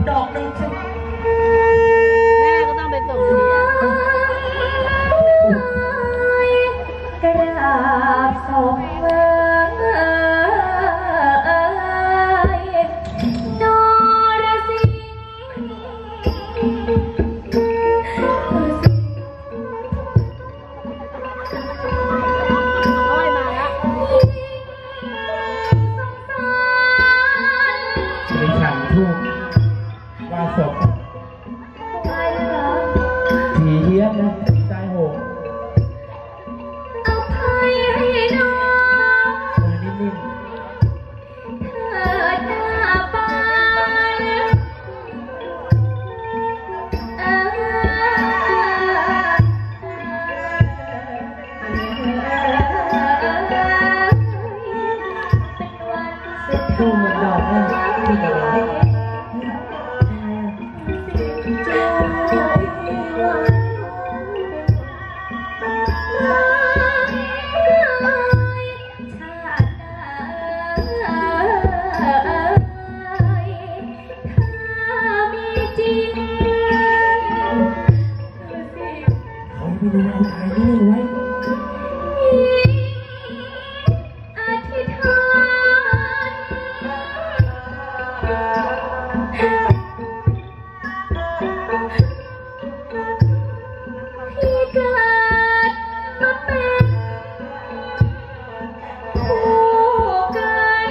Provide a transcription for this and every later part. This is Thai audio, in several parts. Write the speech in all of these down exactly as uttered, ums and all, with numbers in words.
ดอกหนึ่งสิแม่ก็ต้องไปส่งเดียกราบศพเอ่ยนรสิงห์อ้อยมาละมีขันทูบว่าศพผีเฮี้ยนนะตายโหงอภัยให้น้องมือนิ่มเถิดหน้าไปเอ่ทูบหมดดอกเลยที่กระไรไม่ดูเอาถ่ายนี่ไว้อธิษฐานที่เกิดมาเป็นคู่กัน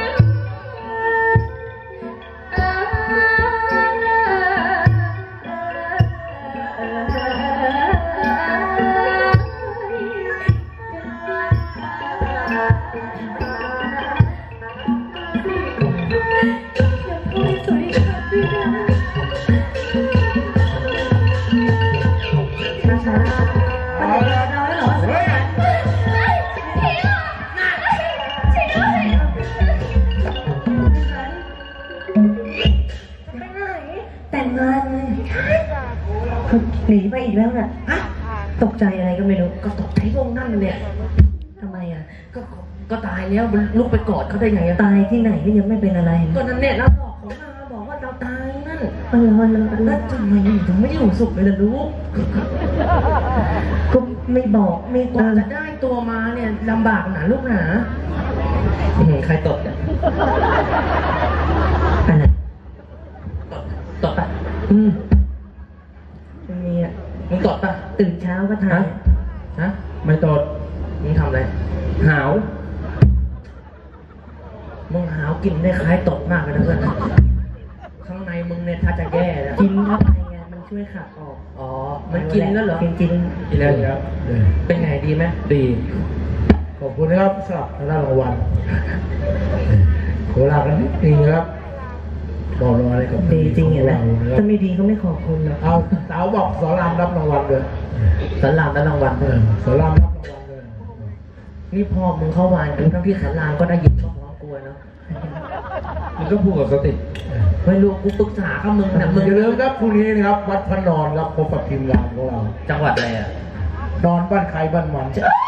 แต่งงานเลยหนีไปอีกแล้วน่ะตกใจอะไรก็ไม่รู้ก็ตกใจตรงนั่นเนี่ยทำไมอ่ะก็ก็ตายแล้วมันลุกไปกอดเขาได้ไงตายที่ไหนก็ยังไม่เป็นอะไรก็นั่นเนี่ยเราบอกเขามาบอกว่าเราตายนั่นเออแล้วทำไมถึงไม่อยู่สุขเลยล่ะลูกก็ไม่บอกไม่กว่าจะได้ตัวมาเนี่ยลำบากหนาลูกหนาใครตดเนี่ยอะไรตดปะอืมไม่มีอ่ะมึงตดปะตื่นเช้าก็ทานฮะไม่ตดมึงทำอะไรหาวมึงหาวกินได้คล้ายตดมากเลยนะเพื่อนข้างในมึงเนี่ยถ้าจะแย่แล้วกินเข้าไปไงมันช่วยขับออกอ๋อมันกินแล้วเหรอกินกินกินแล้วครับเป็นไงดีไหมดีขอบคุณนะครับสำหรับรางวัลขอลากันนิดนึงครับบอกรออะไรกับดีจริงเหรอถ้าไม่ดีก็ไม่ขอบคุณนะเอาสาวบอกสอนรามรับรางวัลเลยสอนรามรับรางวัลเลยสอนรามรับรางวัลเลยนี่พ่อมึงเข้าวานกูทั้งที่สอนรามก็ได้ยินก็พร้อมกลัวเนาะมึงก็พูดกับสติไม่รู้กูปรึกษากับมึงนะมึงอย่าลืมครับพรุ่งนี้นะครับวัดพระนอนครับพบกับทีมงานของเราจังหวัดอะไรอ่ะนอนบ้านใครบ้านมัน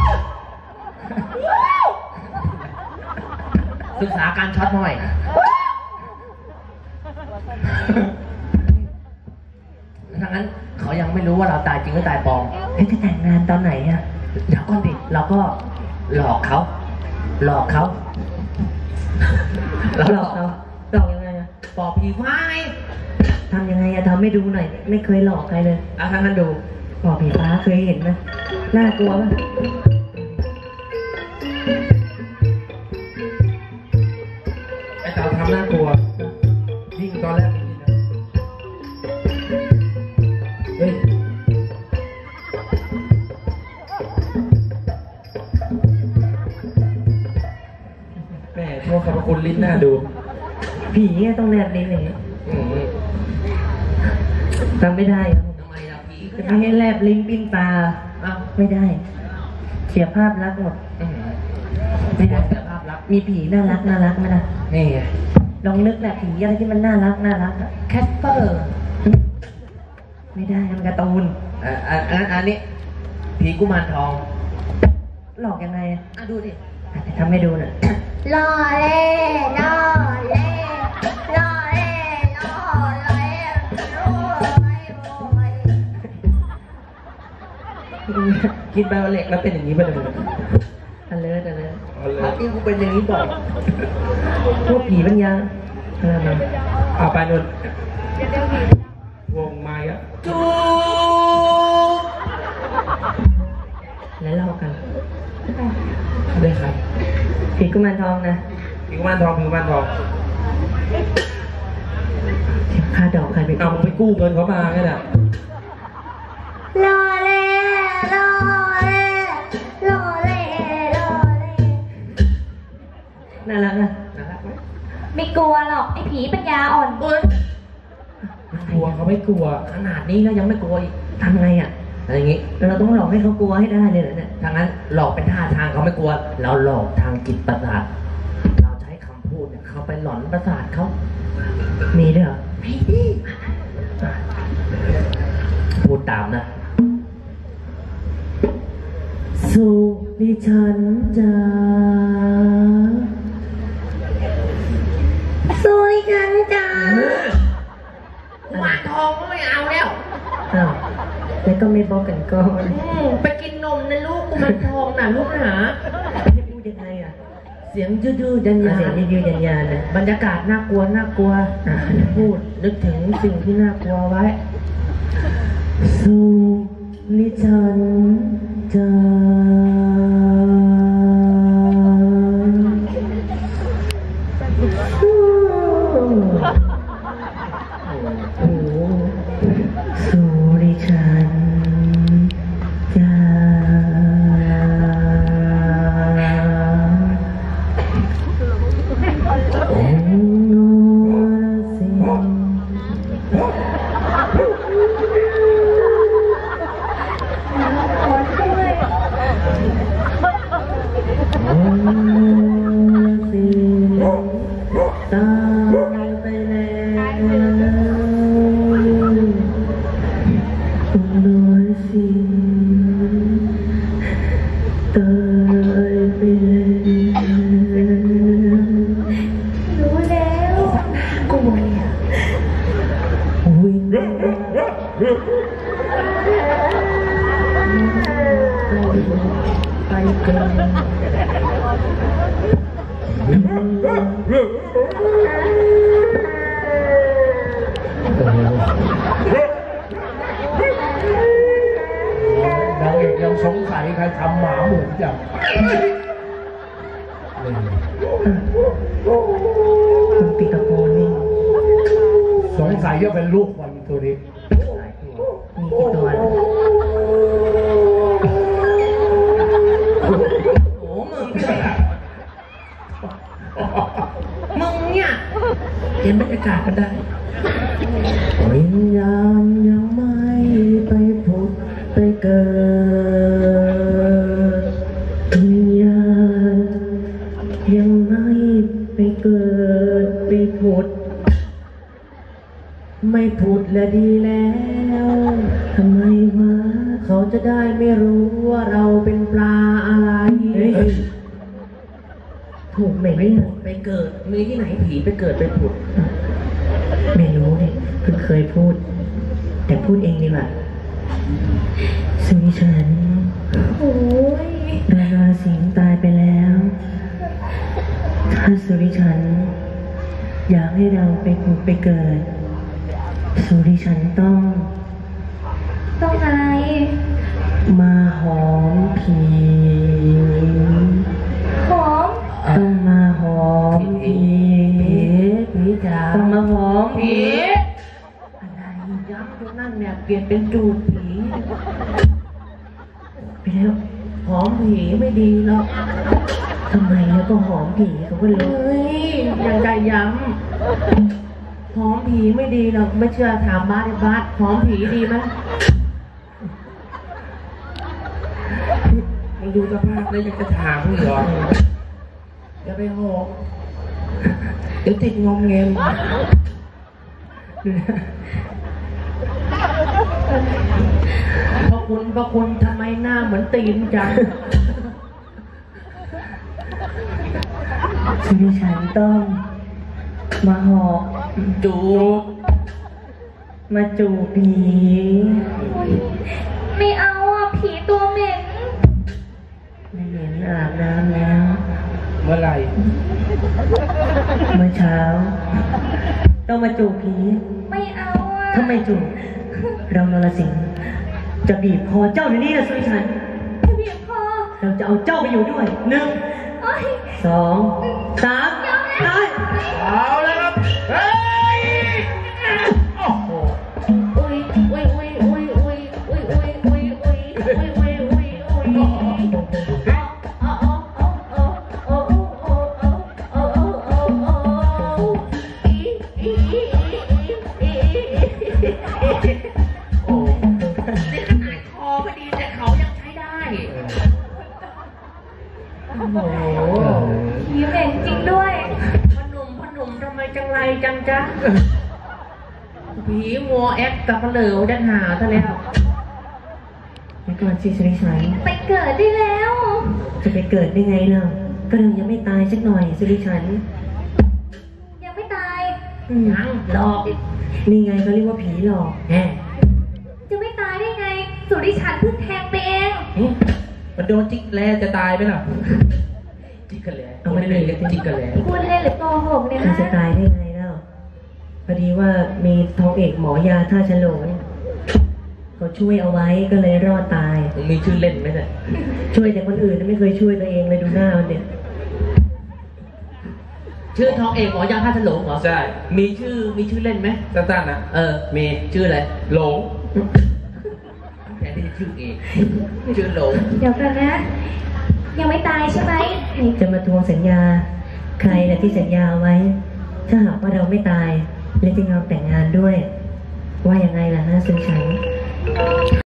ศึกษาการช็อตหน่อยถ้างั้นเขายังไม่รู้ว่าเราตายจริงหรือตายปลอมเฮ้ยจะแต่งงานตอนไหนอ่ะเดี๋ยวก่อนดิเราก็หลอกเขาหลอกเขาเราหลอกเขาหลอกยังไงอ่ะปอบผีฟ้าไงทำยังไงอะทำให้ดูหน่อยไม่เคยหลอกใครเลยอ่ะถ้างั้นดูปอบผีฟ้าเคยเห็นไหมน่ากลัวป่ะไอ้เต่าทำน่ากลัวยิ่งตอนแรกเฮ้ยแม่โทษขอบคุณลิ้นหน้าดูผีเนี่ยต้องแนบลิ้นอย่างเงี้ยทำไม่ได้ทำไมล่ะผีจะไม่ให้แลบลิ้นปิ้นตาอ้าวไม่ได้เสียภาพลักษณ์หมดไม่ได้เสียภาพลักษณ์มีผีน่ารักน่ารักไหมล่ะนี่ไงลองนึกแหละผีอะไรที่มันน่ารักน่ารักอะแคสเปอร์ไม่ได้มันการ์ตูนอ่าอันอันนี้ผีกุมารทองหลอกยังไงอ่ะดูดิทำให้ดูหน่อยล่อเล่ล่อเล่ล่อเล่ล่อเล่กินไบโอเล็กแล้วเป็นอย่างนี้ไปเลยอันเลิศอันเลิศพักที่กูเป็นอย่างนี้บ่อยพวกผีปัญญาอะไรมาเอาไปนุ่นวงไม้อะจูแล้วเล่ากันได้ครับผีกุมารทองนะผีกุมารทองผีกุมารทองค่าดอกใครไปเอาไปกู้เงินเขามาแค่นั้นรอเล่รอเล่รอเล่รอเล่น่ารักนะน่ารักไหมไม่กลัวหรอกไอ้ผีปัญญาอ่อนกลัวเขาไม่กลัวขนาดนี้แล้วยังไม่กลัวอีกทำไงอ่ะอะไรอย่างงี้เราต้องหลอกให้เขากลัวให้ได้เลยเหรอเนี่ยทางนั้นหลอกเป็นท่าทางเขาไม่กลัวเราหลอกทางจิตประสาทเราใช้คำพูดเนี่ยเขาไปหลอนประสาทเขามีด้วยเหรอมีดิพูดตามนะสุริฉันจ้าสุริฉันจ้ากุมารทองก็ไม่เอาแล้วอ้าวแล้วก็ไม่บอกกันก่อนไปกินนมนะลูกกุมารทองน่ะลูกหาจะพูดยังไงอ่ะเสียงยืดๆยันยาเสียงยืดๆยันยาเลยบรรยากาศน่ากลัวน่ากลัวพูดนึกถึงสิ่งที่น่ากลัวไว้สุริฉันจ้าสุริฉันจ้าโอ้โนสิโอ้สิตายไปแล้วโอ้โนสิตายไปแล้วรู้แล้วกูเนี่ยวิ่งไปกันนางเอกยังสงสัยใครทำหมาหมุนจังคุณปิกาโปนี่สงสัยจะเป็นลูกมันตัวนี้มีกี่ตัวโอ้มึงมึงเนี่ยเห็นบรรยากาศก็ได้วิญญาณยังไม่ไปผุดไปเกิดวิญญาณยังไม่ไปเกิดไปผุดไม่ผุดและดีแล้วทำไมวะเขาจะได้ไม่รู้ว่าเราเป็นปลาอะไรถูกไหมเนี่ยไปเกิดมีที่ไหนผีไปเกิดไปผุดไม่รู้เนี่ยเพิ่งเคยพูดแต่พูดเองดีกว่าสุริฉันโอ้ยดาราสิงห์ตายไปแล้วถ้าสุริฉันอยากให้เราไปผุดไปเกิดสุริฉันต้องต้องอะไรมาหอมผีหอมต้องมาหอมผีผีจ๋าต้องมาหอมผีอะไรย้ำตรงนั้นเนี่ยเปลี่ยนเป็นจูบผีไปแล้วหอมผีไม่ดีหรอกทำไมแล้วก็หอมผีเขาก็เลยยังใจย้ำหอมผีไม่ดีหรอกไม่เชื่อถามบ้านบ้านหอมผีดีไหมมึงดูสภาพแล้วยังจะถามมึงเหรออย่าไปหอมเดี๋ยวติดงอมเงมพระคุณพระคุณทำไมหน้าเหมือนตีนจังชีวิตฉันต้องมาหอกจูบมาจูบผีไม่เอาอ่ะผีตัวเหม็นอาบน้ำแล้วเมื่อไหร่เมื่อเช้า ต้องมาจูบผีไม่เอาอ่ะถ้าไม่จูบเรานรสิงห์จะบีบคอเจ้าเดี๋ยวนี้นะสุริชันจะบีบคอเราจะเอาเจ้าไปอยู่ด้วยหนึ่งโอ๊ยสองสามตายเอาแล้วครับเฮ้ยโอ้โหอุ้ยอุ้ยอุ้ยอุ้ยอุ้ยอุ้ยอุ้ยอุ้ยอุ้ยอุ้ยอุ้ยอุ้ยอุ้ยโอ้นี่ขนาดคอพอดีแต่เขายังใช้ได้โอ้โหผีเหม็นจริงด้วยพนุ่มพนุ่มทำไมจังไรจังจ๊ะผีงัวแอคกับเหลวดันหาซะแล้วไปก่อนสิสุริชัยไปเกิดได้แล้วจะไปเกิดได้ไงเล่าก็เรายังไม่ตายสักหน่อยสุริชันยังไม่ตายยังหลอกนี่ไงเขาเรียกว่าผีหลอกแหมจะไม่ตายได้ไง สุริชันเพิ่งแทงไปเองมันโดนจิกแลจะตายไหมล่ะจิกกันแลเอามาเลยกันจิกกันแล้วพูดเล่นหรือโกหกเนี่ยมันฮะจะตายได้ไงเล่าพอดีว่ามีทองเอกหมอยาท่าฉลงเขาช่วยเอาไว้ก็เลยรอดตายมึงมีชื่อเล่นไหมเนี่ยช่วยแต่คนอื่นไม่เคยช่วยตัวเองเลยดูหน้ามันเนี่ยชื่อทองเอกหมอยาท่าฉลงเหรอใช่มีชื่อมีชื่อเล่นไหมสั้นๆนะเออ มีชื่ออะไรหลงแทนที่จะชื่อเอกชื่อหลงเดี๋ยวกันนะ ยังไม่ตายใช่ไหมไหนจะมาทวงสัญญา ใครแหละที่สัญญาเอาไว้ ถ้าหากว่าเราไม่ตายและจะยอมแต่งงานด้วย ว่ายังไงล่ะฮะสุริชัน